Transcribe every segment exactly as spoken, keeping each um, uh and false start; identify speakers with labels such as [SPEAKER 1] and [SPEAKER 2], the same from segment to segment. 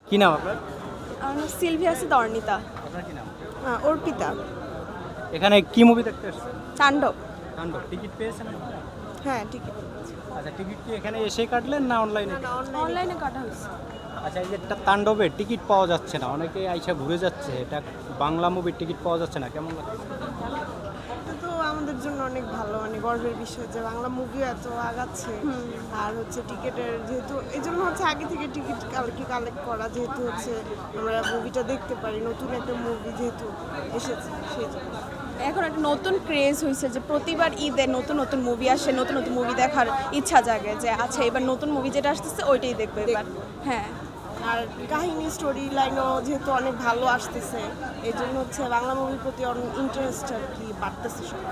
[SPEAKER 1] কি নাম আপনার?
[SPEAKER 2] আমার নাম সিলভিয়া সিদর্নিতা।
[SPEAKER 1] আপনার কি নাম?
[SPEAKER 2] অর্পিতা।
[SPEAKER 1] এখানে কি মুভি দেখতে এসেছেন?
[SPEAKER 2] তাণ্ডব।
[SPEAKER 1] তাণ্ডব। টিকিট পেয়েছেন আপনারা?
[SPEAKER 2] হ্যাঁ টিকিট।
[SPEAKER 1] আচ্ছা, টিকিট কি এখানে এসে কাটলেন না অনলাইনে?
[SPEAKER 2] অনলাইনে কাটা হয়েছে।
[SPEAKER 1] আচ্ছা, এই যে একটা তাণ্ডবে টিকিট পাওয়া যাচ্ছে না, অনেকে আইসা ঘুরে যাচ্ছে, এটা বাংলা মুভির টিকিট পাওয়া যাচ্ছে না, কেমন লাগছে?
[SPEAKER 3] এটা তো আমাদের জন্য অনেক ভালো, মানে গর্বের বিষয় যে বাংলা মুভি এত আগাচ্ছে। আর হচ্ছে টিকিটের যেহেতু এই জন্য হচ্ছে আগে থেকে টিকিট কালকে কালেক্ট করা, যেহেতু হচ্ছে আমরা মুভিটা দেখতে পারি, নতুন একটা মুভি যেহেতু এসেছে সেই জন্য।
[SPEAKER 2] এখন একটা নতুন ক্রেজ হয়েছে যে প্রতিবার ঈদে নতুন নতুন মুভি আসে, নতুন নতুন মুভি দেখার ইচ্ছা জাগে যে আচ্ছা এবার নতুন মুভি যেটা আসতেছে ওইটাই দেখবো এবার। হ্যাঁ,
[SPEAKER 3] আর কাহিনী স্টোরি লাইনও যেহেতু অনেক ভালো আসতেছে, এই জন্য হচ্ছে বাংলা মুভির প্রতি অনেক ইন্টারেস্ট আর কি বাড়তেছে সবার।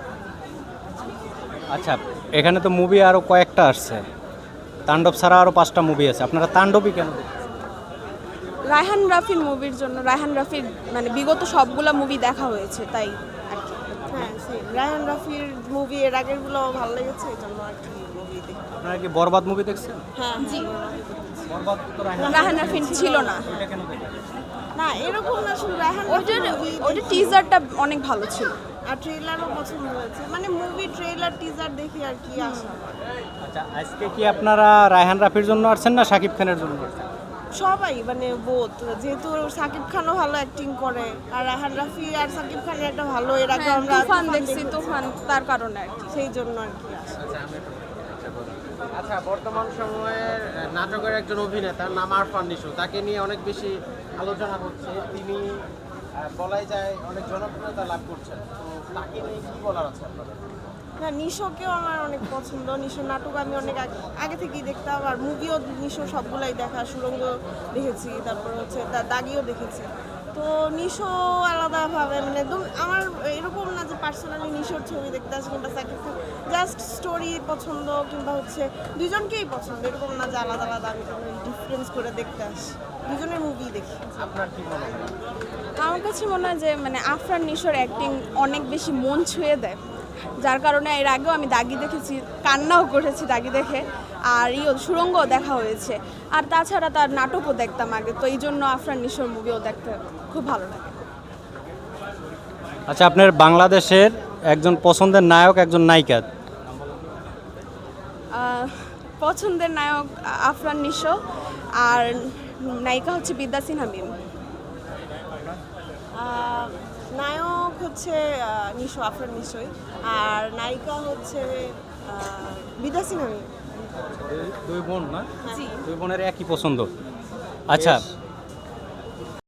[SPEAKER 1] আচ্ছা, এখানে তো মুভি আরও কয়েকটা আসছে, তাণ্ডব ছাড়া আরও পাঁচটা মুভি আছে, আপনারা তাণ্ডবই কেন দেখছেন?
[SPEAKER 2] রায়হান রাফির মুভির জন্য। রায়হান রাফির মানে বিগত সবগুলা মুভি দেখা হয়েছে তাই আর কি।
[SPEAKER 3] হ্যাঁ সেই রায়হান রাফির মুভি এর আগেরগুলো ভালো লেগেছে, এই জন্য আর কি মুভি দেখি।
[SPEAKER 1] আপনারা কি বরবাদ মুভি দেখছেন?
[SPEAKER 3] হ্যাঁ
[SPEAKER 2] জি।
[SPEAKER 1] বরবাদ তো রায়হান
[SPEAKER 2] রায়হান রাফির ছিল না।
[SPEAKER 1] ওইটা কেন দেখেন?
[SPEAKER 3] না এরকম না, শুধু রায়হান
[SPEAKER 2] ওইটার
[SPEAKER 3] রাফির movie
[SPEAKER 2] ওইটার
[SPEAKER 3] দেখি।
[SPEAKER 2] টিজারটা অনেক ভালো ছিল।
[SPEAKER 3] আর ট্রেলারও পছন্দ হয়েছে, মানে মুভি ট্রেলার টিজার দেখি আর কি আসা।
[SPEAKER 1] আচ্ছা, আজকে কি আপনারা রায়হান রাফির জন্য আসছেন না শাকিব খানের জন্য আসছেন?
[SPEAKER 3] সবাই মানে বোথ, যেহেতু সাকিব খানও ভালো অ্যাক্টিং করে আর রায়হান রাফি আর সাকিব খানের একটা ভালো, এর আগে
[SPEAKER 2] হ্যাঁ,
[SPEAKER 3] আমরা
[SPEAKER 2] তুফান দেখছি, তুফান তার কারণে আর কি।
[SPEAKER 3] সেই জন্য আর কি আসা।
[SPEAKER 4] আচ্ছা, বর্তমান সময়ের নাটকের একজন অভিনেতার নাম আরফান নিশো, তাকে নিয়ে অনেক বেশি আলোচনা হচ্ছে। তিনি আহ, বলাই যায় অনেক জনপ্রিয়তা লাভ করছেন, তো তাকে নিয়ে কি বলার আছে আপনাদের?
[SPEAKER 3] না নিশোকেও আমার অনেক পছন্দ, নিশোর নাটক আমি অনেক আগে আগে থেকেই দেখতাম, আর মুভিও নিশো সবগুলাই দেখা, সুরঙ্গ দেখেছি, তারপর হচ্ছে দা- দাগিও দেখেছি। তো নিশো আলাদাভাবে মানে একদম আমার এরকম না যে পার্সোনালি নিশোর ছবি দেখতে আসে কিংবা সাকিব খান, জাস্ট স্টোরি পছন্দ কিংবা হচ্ছে দুজনকেই পছন্দ, এরকম না যে আলাদা আলাদা আমি কোনো ডিফারেন্স করে দেখতে আসি, দুজনের মুভি দেখি।
[SPEAKER 4] আপনার কি মনে হয়?
[SPEAKER 2] আমার কাছে মনে হয় যে মানে আফরান নিশোর অ্যাক্টিং অনেক বেশি মন ছুঁয়ে দেয়, যার কারণে এর আগেও আমি দাগি দেখেছি, কান্নাও করেছি দাগি দেখে, আর ইও সুরঙ্গও দেখা হয়েছে। আর তাছাড়া তার নাটকও দেখতাম আগে, তো এই জন্য আফরান নিশোর মুভিও দেখতে খুব ভালো লাগে।
[SPEAKER 1] আচ্ছা, আপনার বাংলাদেশের একজন পছন্দের নায়ক, একজন নায়িকা?
[SPEAKER 2] আহ, পছন্দের নায়ক আফরান নিশো, আর নায়িকা হচ্ছে বিদ্যা সিনহা মিম।
[SPEAKER 3] আহ, নায়ক হচ্ছে আহ, নিশো, আফরান নিশোই, আর নায়িকা হচ্ছে বিদ্যা সিনহা মিম।
[SPEAKER 1] দুই বোন না?
[SPEAKER 2] জি।
[SPEAKER 1] দুই বোনের একই পছন্দ। আচ্ছা,